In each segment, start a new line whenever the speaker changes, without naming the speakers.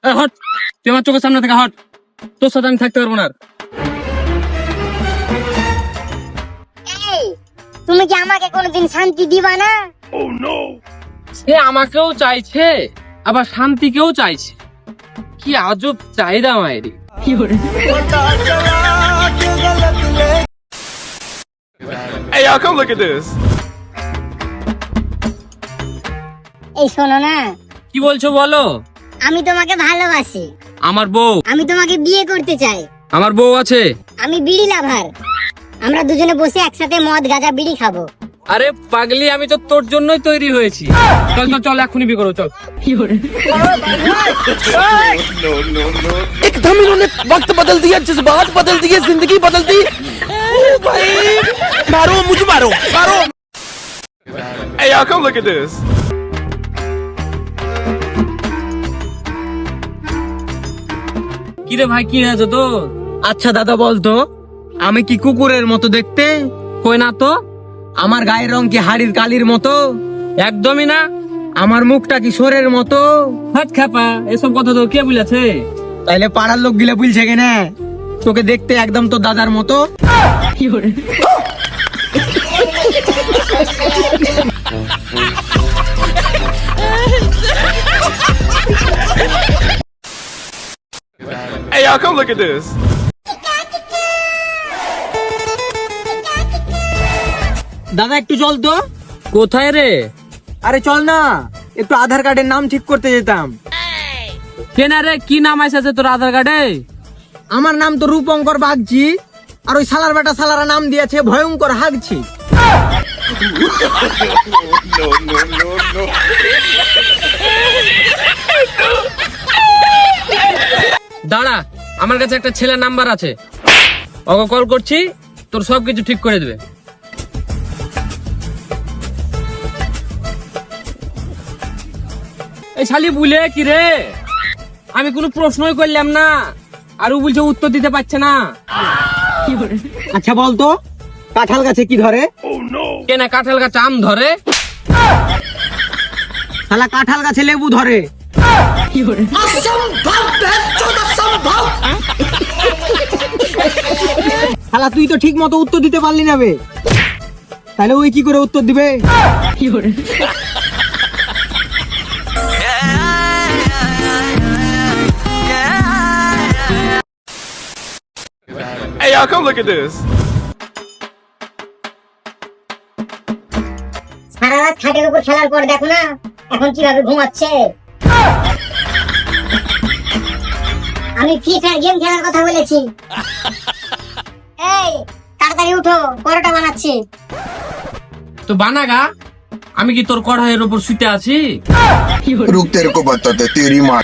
Hot, তুই আমার চোখের সামনে থেকে হট, তোর সাথে আমি থাকতে পারবো না আর।
এই, তুমি কি আমাকে কোনোদিন শান্তি দিবা না?
সে আমাকেও চাইছে আবার শান্তিকেও চাইছে, কি আজব চাহিদা মায়েরই।
Hey, y'all, come look at this.
এই শোনো না,
কি বলছো বলো?
আমি তোমাকে ভালোবাসি,
আমার বউ,
আমি তোমাকে বিয়ে করতে চাই।
আমার বউ আছে।
আমি বিড়ি লাভার, আমরা দুজনে বসে একসাথে মদ গাঁজা বিড়ি খাবো।
আরে পাগলি, আমি তো তোর জন্যই তৈরি হয়েছি। চল চল চল, এখনই বিয়ে করো, চল।
एकदम इन्होंने वक्त बदल दिया, जज्बात बदल दिए, जिंदगी बदल दी। भाई मारो, मुझे मारो, मारो।
Hey, y'all, come look at this.
কি রে ভাই, কি হয়েছে তো?
আচ্ছা দাদা বলতো, আমি কি কুকুরের মতো দেখতে?
কই না তো,
আমার গায়ের রং কি হাড়ির কালির মতো?
একদমই না।
আমার মুখটা কি সোরের মতো?
হাত খাপা, এসব কথা তো কে বলেছে?
তাইলে পাড়ার লোক গিলে বলছে কেনে তোকে দেখতে একদম তো দাদার মতো?
Hey, y'all, come look at this.
দাদা একটু চল তো।
কোথায় রে?
আরে চল না, একটু আধার কার্ডের নাম ঠিক করতে যেতাম।
কেনা রে, কি নাম আছে তোর আধার কার্ডে?
আমার নাম তো রূপঙ্কর বাগচি, আর ওই সালার বেটা সালারা নাম দিয়েছে ভয়ঙ্কর হাগছি।
দাঁড়া, আমার কাছে একটা ছেলের নাম্বার আছে, ওকে কল করছি, তোর সবকিছু ঠিক করে দেবে। এই শালি বুলে কি রে, আমি কোনো প্রশ্নই করলাম না আর ও বলছে উত্তর দিতে পারছে না।
আচ্ছা বলতো, কাঁঠাল গাছে কি ধরে?
কেনা কাঁঠাল গাছ আম ধরে?
শালা কাঁঠাল গাছে লেবু ধরে। শালা তুই তো ঠিক মতো উত্তর দিতে পারলি না বে, তাহলে ওই কি করে উত্তর দিবে?
Hey, y'all, come look at this.
সারা রাত খাটের উপর খেলার পর দেখো না এখন কিভাবে ঘুমাচ্ছে। আমি ফ্রি ফায়ার গেম খেলার কথা বলেছি। এই তাড়াতাড়ি উঠো, পরোটা বানাচ্ছি।
তো বানাগা, আমি কি তোর কড়াইয়ের উপর শুতে আছি?
रुक तेरे को बताते तेरी माँ।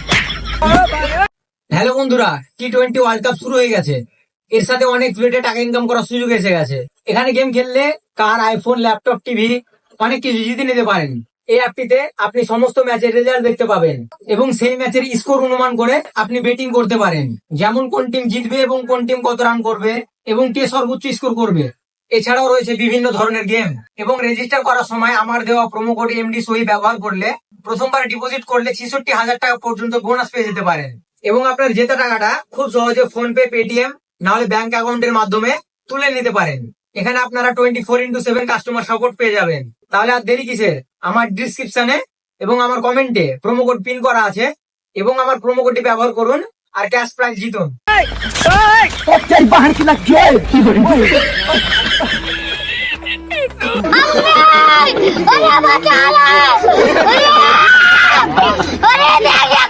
হ্যালো বন্ধুরা, টি20 ওয়ার্ল্ড কাপ শুরু হয়ে গেছে। এর সাথে অনেক প্লেটে টাকা ইনকাম করার সুযোগ এসে গেছে। এখানে গেম খেললে কার, আইফোন, ল্যাপটপ, টিভি অনেক কিছু জিতে নিতে পারেন। এই অ্যাপটিতে আপনি সমস্ত ম্যাচের রেজাল্ট দেখতে পাবেন এবং সেই ম্যাচের স্কোর অনুমান করে আপনি বেটিং করতে পারেন, যেমন কোন টিম জিতবে এবং কোন টিম কত রান করবে এবং কে সর্বোচ্চ স্কোর করবে। এছাড়াও রয়েছে বিভিন্ন ধরনের গেম এবং রেজিস্টার করার সময় আমার দেওয়া প্রোমো কোড এমডি সই ব্যবহার করলে প্রথমবার ডিপোজিট করলে 66,000 টাকা পর্যন্ত বোনাস পেয়ে যেতে পারেন এবং আপনার জেতা টাকাটা খুব সহজে ফোন পে, পেটিএম না হলে ব্যাংক অ্যাকাউন্টের মাধ্যমে তুলে নিতে পারেন। এখানে আপনারা 24/7 কাস্টমার সাপোর্ট পেয়ে যাবেন। তাহলে আর দেরি কিসের, আমার ডিসক্রিপশনে এবং আমার কমেন্টে প্রোমো কোড পিন করা আছে এবং আমার প্রোমো কোডটি ব্যবহার করুন আর ক্যাশ প্রাইজ জিতুন।
ওরে বাঁচালা! ওরে! ওরে দেখে!